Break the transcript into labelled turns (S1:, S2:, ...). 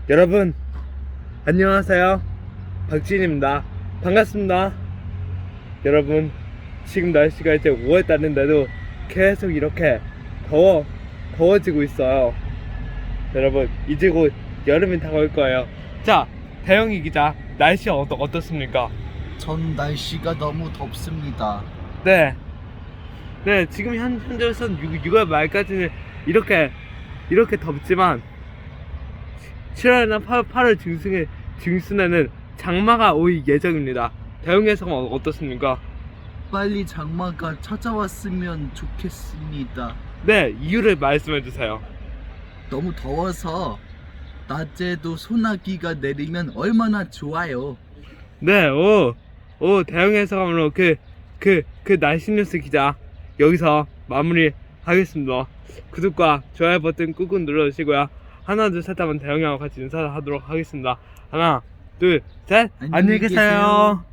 S1: 여러분 안녕하세요, 박진입니다. 반갑습니다. 여러분, 지금 날씨가 이제 5월달인데도 계속 이렇게 더워지고 있어요. 여러분, 이제 곧 여름이 다가올 거예요. 자, 대영이 기자, 날씨 어떻습니까?
S2: 전 날씨가 너무 덥습니다.
S1: 네, 지금 현재로서는 6월 말까지는 이렇게 덥지만 7월이나 8월 중순에는 장마가 올 예정입니다. 대영이 해석은 어떻습니까?
S2: 빨리 장마가 찾아왔으면 좋겠습니다.
S1: 네, 이유를 말씀해 주세요.
S2: 너무 더워서 낮에도 소나기가 내리면 얼마나 좋아요.
S1: 네, 대영이 해석으로 그 날씨 뉴스 기자 여기서 마무리하겠습니다. 구독과 좋아요 버튼 꾹꾹 눌러주시고요. 하나 둘 셋 하면 대영이하고 같이 인사하도록 하겠습니다. 하나 둘 셋, 안녕히 계세요.